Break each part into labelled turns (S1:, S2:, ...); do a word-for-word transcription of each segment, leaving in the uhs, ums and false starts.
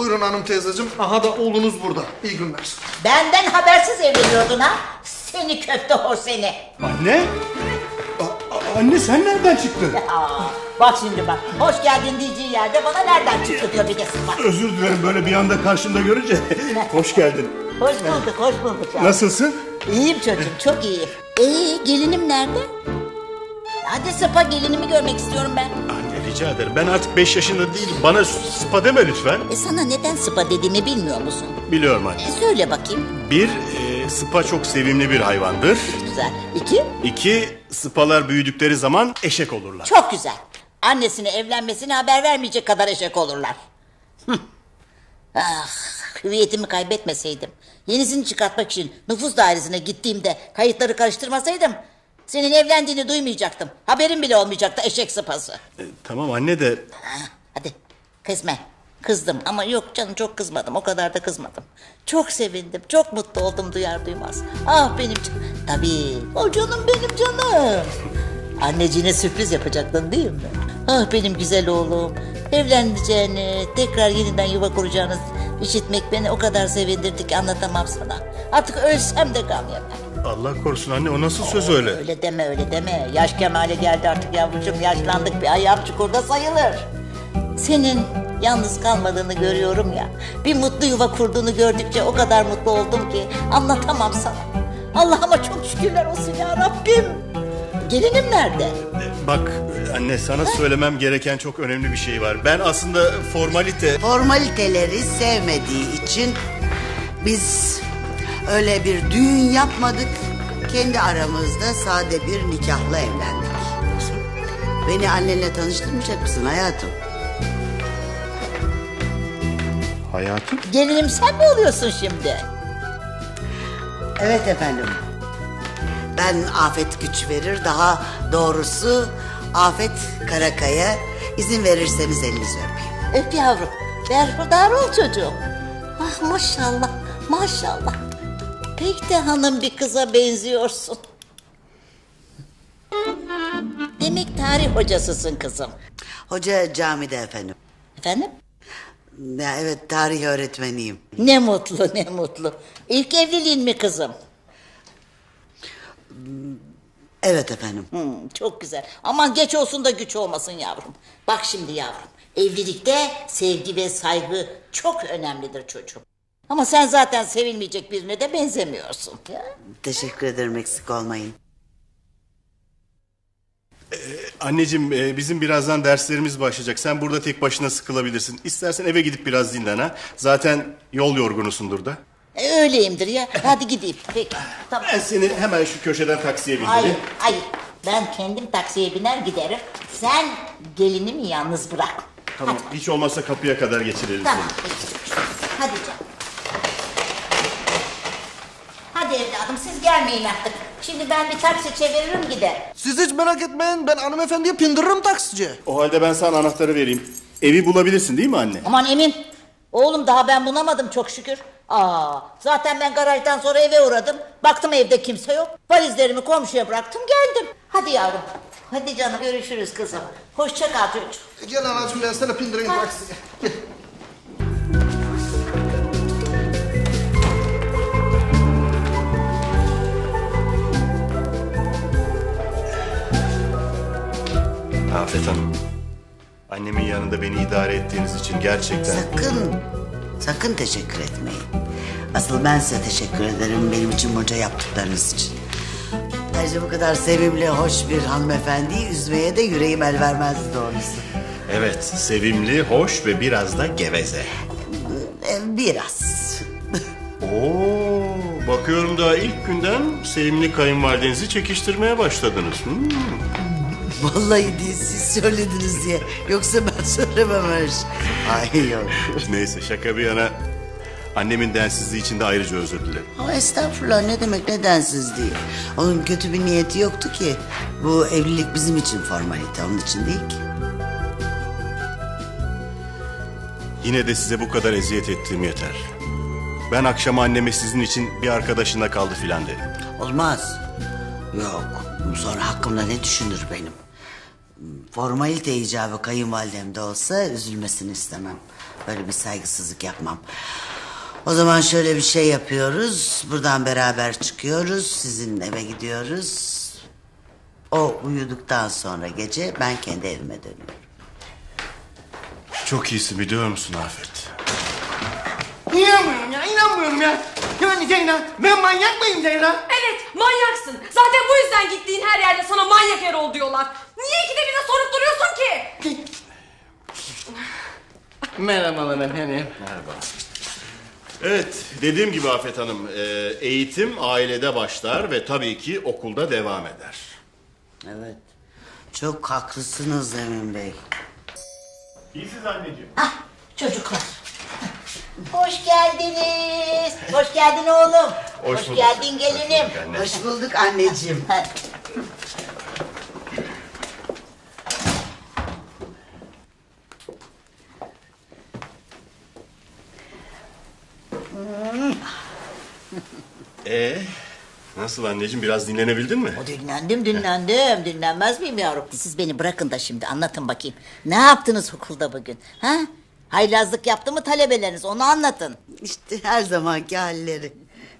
S1: Buyurun hanım teyzeciğim. Aha da oğlunuz burada. İyi günler.
S2: Benden habersiz evleniyordun ha? Seni köfte hor seni.
S3: Anne? A- a- anne sen nereden çıktın?
S2: Aa, bak şimdi bak. Hoş geldin diyeceği yerde bana nereden çıktı diyor bir de sıfat.
S3: Özür dilerim böyle bir anda karşımda görünce. Hoş geldin.
S2: Hoş bulduk, hoş bulduk. Ya.
S3: Nasılsın?
S2: İyiyim çocuğum, çok iyiyim. Ee, gelinim nerede? Hadi Sıpa, gelinimi görmek istiyorum ben.
S3: Anne rica ederim. Ben artık beş yaşında değilim. Bana Sıpa deme lütfen.
S2: E sana neden Sıpa dediğimi bilmiyor musun?
S3: Biliyorum anne.
S2: E söyle bakayım.
S3: Bir, e, Sıpa çok sevimli bir hayvandır.
S2: Güzel. İki?
S3: İki, Sıpalar büyüdükleri zaman eşek olurlar.
S2: Çok güzel. Annesine evlenmesine haber vermeyecek kadar eşek olurlar. Hıh. Ah, hüviyetimi kaybetmeseydim, yenisini çıkartmak için nüfus dairesine gittiğimde kayıtları karıştırmasaydım, senin evlendiğini duymayacaktım. Haberin bile olmayacaktı eşek sıpası.
S3: E, tamam anne de...
S2: Ha, hadi kızma. Kızdım ama yok canım, çok kızmadım, o kadar da kızmadım. Çok sevindim, çok mutlu oldum duyar duymaz. Ah benim canım. Tabii o canım benim canım. Anneciğine sürpriz yapacaktın değil mi? Ah benim güzel oğlum. Evleneceğini, tekrar yeniden yuva kuracağını işitmek beni o kadar sevindirdi ki anlatamam sana. Artık ölsem de gam yemem.
S3: Allah korusun anne, o nasıl söz öyle?
S2: Öyle deme, öyle deme. Yaş kemale geldi artık yavrucuğum, yaşlandık, bir ayağım çukurda sayılır. Senin yalnız kalmadığını görüyorum ya. Bir mutlu yuva kurduğunu gördükçe o kadar mutlu oldum ki anlatamam sana. Allah'ıma çok şükürler olsun ya Rabbim. Gelinim nerede?
S3: Bak anne, sana söylemem gereken çok önemli bir şey var. Ben aslında formalite...
S4: Formaliteleri sevmediği için biz öyle bir düğün yapmadık. Kendi aramızda sade bir nikahla evlendik. Beni annenle tanıştırmayacak mısın hayatım?
S3: Hayatım?
S2: Gelinim sen mi oluyorsun şimdi?
S4: Evet efendim. Ben Afet güç verir, daha doğrusu Afet Karakaya. İzin verirseniz elinizi öpeyim.
S2: Öp yavrum. Berhudar ol çocuğum. Ah maşallah, maşallah. Pek de hanım bir kıza benziyorsun. Demek tarih hocasısın kızım.
S4: Hoca camide efendim.
S2: Efendim?
S4: Ya evet, tarih öğretmeniyim.
S2: Ne mutlu, ne mutlu. İlk evliliğin mi kızım?
S4: Evet efendim.
S2: Hmm, çok güzel. Aman geç olsun da güç olmasın yavrum. Bak şimdi yavrum, evlilikte sevgi ve saygı çok önemlidir çocuğum. Ama sen zaten sevilmeyecek birine de benzemiyorsun. Ya.
S4: Teşekkür ederim, eksik olmayın.
S3: Anneciğim, e, bizim birazdan derslerimiz başlayacak. Sen burada tek başına sıkılabilirsin. İstersen eve gidip biraz dinlen ha. Zaten yol yorgunusundur da.
S2: E, öyleyimdir ya. Hadi gideyim. Peki. Tamam.
S3: Ben seni hemen şu köşeden taksiye bindireyim.
S2: Hayır, hayır. Ben kendim taksiye biner giderim. Sen gelinimi yalnız bırak.
S3: Tamam, hiç olmazsa kapıya kadar geçirelim
S2: Tamam.
S3: seni.
S2: Peki. Hadi canım. Hadi evladım, siz gelmeyin artık. Şimdi ben bir taksi çeviririm gider.
S1: Siz hiç merak etmeyin. Ben hanımefendiye pindiririm taksici.
S3: O halde ben sana anahtarı vereyim. Evi bulabilirsin değil mi anne?
S2: Aman Emin. Oğlum daha ben bulamadım çok şükür. Aa, zaten ben garajdan sonra eve uğradım. Baktım evde kimse yok. Valizlerimi komşuya bıraktım geldim. Hadi yavrum. Hadi canım, görüşürüz kızım. Hoşça kal çocuğum.
S1: E, Gel anacığım, ben sana pindireyim taksiye. Gel.
S3: Afet Hanım, annemin yanında beni idare ettiğiniz için gerçekten...
S4: Sakın, sakın teşekkür etmeyin. Asıl ben size teşekkür ederim benim için bunca yaptıklarınız için. Ayrıca bu kadar sevimli, hoş bir hanımefendiyi üzmeye de yüreğim el vermezdi doğrusu.
S3: Evet, sevimli, hoş ve biraz da geveze.
S4: Ee, Biraz.
S3: Oo, bakıyorum daha ilk günden sevimli kayınvalidenizi çekiştirmeye başladınız. Hmm.
S4: Vallahi değil, siz söylediniz diye. Yoksa ben söylemem öyle şey. Ay yok.
S3: Neyse, şaka bir yana, annemin densizliği için de ayrıca özür dilerim.
S4: Ama estağfurullah, ne demek nedensiz değil. Onun kötü bir niyeti yoktu ki. Bu evlilik bizim için formalite, onun için değil ki.
S3: Yine de size bu kadar eziyet ettiğim yeter. Ben akşam anneme sizin için bir arkadaşında kaldı filan dedim.
S4: Olmaz. Yok. Sonra hakkımda ne düşünür benim? formalite icabı kayınvalidem de olsa üzülmesini istemem. Böyle bir saygısızlık yapmam. O zaman şöyle bir şey yapıyoruz. Buradan beraber çıkıyoruz. Sizin eve gidiyoruz. O uyuduktan sonra gece ben kendi evime dönüyorum.
S3: Çok iyisin biliyor musun Afet?
S1: İnanmıyorum ya, inanmıyorum ya. Yani Ceylan, ben manyak mıyım Ceylan?
S5: Evet, manyaksın. Zaten bu yüzden gittiğin her yerde sana manyak Erol diyorlar. Niye ikide bir de sorup duruyorsun ki?
S1: Merhabalar efendim.
S3: Evet, dediğim gibi Afet Hanım, e, eğitim ailede başlar ve tabii ki okulda devam eder.
S4: Evet. Çok haklısınız Emin Bey.
S3: İyisiniz anneciğim.
S2: Ah çocuklar. Hoş geldiniz. Hoş geldin oğlum.
S3: Hoş
S2: Hoş,
S3: bulduk.
S2: geldin gelinim.
S3: Hoş bulduk anne.
S4: Hoş bulduk anneciğim.
S2: Ha,
S3: Ee, nasıl anneciğim, biraz dinlenebildin mi?
S2: dinlendim dinlendim. Dinlenmez miyim yavrum? Siz beni bırakın da şimdi anlatın bakayım. Ne yaptınız okulda bugün? Ha? Haylazlık yaptı mı talebeleriniz? Onu anlatın.
S4: İşte her zamanki halleri.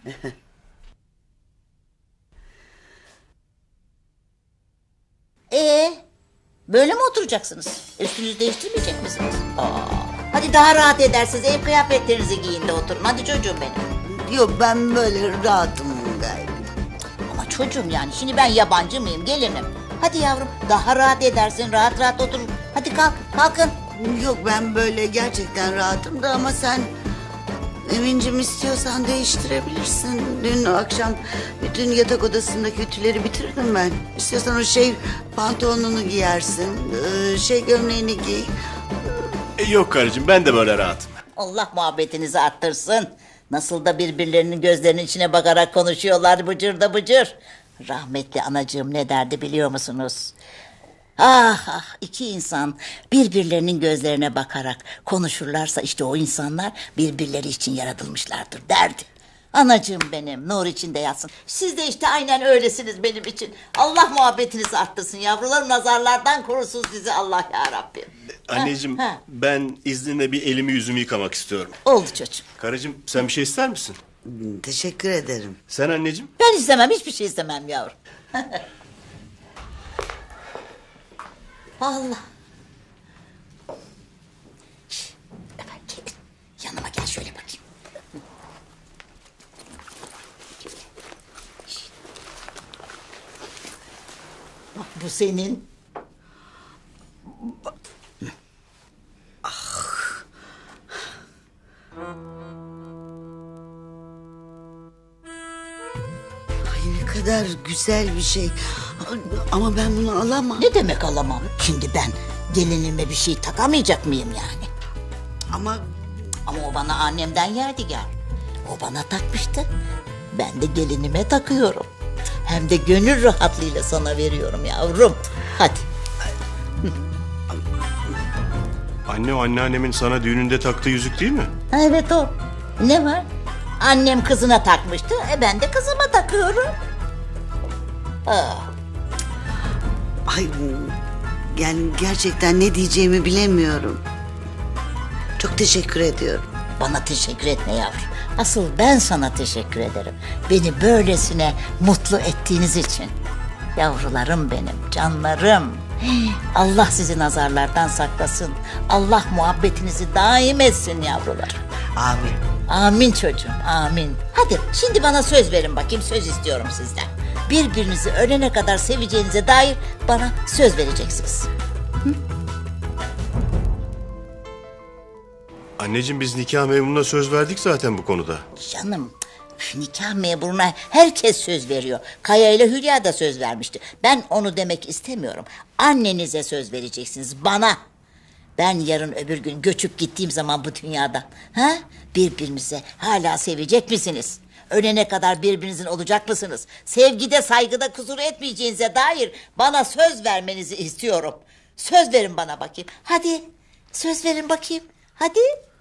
S2: Ee, böyle mi oturacaksınız? Üstünüzü değiştirmeyecek misiniz? Aa, hadi daha rahat edersiniz. Ev kıyafetlerinizi giyin de oturun. Hadi çocuğum benim.
S4: Yok ben böyle rahatım gayet.
S2: Ama çocuğum yani şimdi ben yabancı mıyım gelinim? Hadi yavrum daha rahat edersin. Rahat rahat oturun. Hadi kalk kalkın.
S4: Yok ben böyle gerçekten rahatım da ama sen Emin'cim istiyorsan değiştirebilirsin. Dün akşam bütün yatak odasındaki ütüleri bitirdim ben. İstiyorsan o şey pantolonunu giyersin. ee, Şey gömleğini giy.
S3: E, yok karıcığım, ben de böyle rahatım.
S2: Allah muhabbetinizi arttırsın. Nasıl da birbirlerinin gözlerinin içine bakarak konuşuyorlar bıcır da bıcır. Rahmetli anacığım ne derdi biliyor musunuz? Ah ah iki insan birbirlerinin gözlerine bakarak konuşurlarsa işte o insanlar birbirleri için yaratılmışlardır derdi. Anacığım benim nur içinde yatsın. Siz de işte aynen öylesiniz benim için. Allah muhabbetinizi arttırsın yavrularım, nazarlardan korusun sizi Allah ya Rabbim.
S3: Anneciğim,
S2: Ha, ha.
S3: ben izninle bir elimi yüzümü yıkamak istiyorum.
S2: Oldu çocuğum.
S3: Karıcığım, sen bir şey ister misin?
S4: Hmm, Teşekkür ederim.
S3: Sen anneciğim?
S2: Ben istemem, hiçbir şey istemem yavrum. Allah. Şş, efendim, gel. Yanıma gel şöyle bakayım. Şş. Bak bu senin.
S4: Ay ne kadar güzel bir şey. Ama ben bunu alamam.
S2: Ne demek alamam? Şimdi ben gelinime bir şey takamayacak mıyım yani?
S4: Ama
S2: Ama o bana annemden yadigar. O bana takmıştı. Ben de gelinime takıyorum. Hem de gönül rahatlığıyla sana veriyorum yavrum. Hadi.
S3: Anne, o anneannemin sana düğününde taktığı yüzük değil mi?
S2: Ha, evet o. Ne var? Annem kızına takmıştı. E ben de kızıma takıyorum. Aa,
S4: ay yani gerçekten ne diyeceğimi bilemiyorum. Çok teşekkür ediyorum.
S2: bana teşekkür etme yavrum. Asıl ben sana teşekkür ederim. Beni böylesine mutlu ettiğiniz için. Yavrularım benim, canlarım. Allah sizi nazarlardan saklasın. Allah muhabbetinizi daim etsin yavrular.
S4: Amin.
S2: Amin çocuğum, amin. Hadi şimdi bana söz verin bakayım, söz istiyorum sizden. Birbirinizi ölene kadar seveceğinize dair bana söz vereceksiniz.
S3: Anneciğim, biz nikah memuruna söz verdik zaten bu konuda.
S2: Canım, üf, nikah memuruna herkes söz veriyor. Kaya ile Hülya da söz vermişti. Ben onu demek istemiyorum. Annenize söz vereceksiniz, bana. Ben yarın öbür gün göçüp gittiğim zaman bu dünyadan, ha? Birbirinize hala sevecek misiniz? Ölene kadar birbirinizin olacak mısınız? Sevgide, saygıda kusur etmeyeceğinize dair bana söz vermenizi istiyorum. Söz verin bana bakayım. Hadi, söz verin bakayım. Hadi.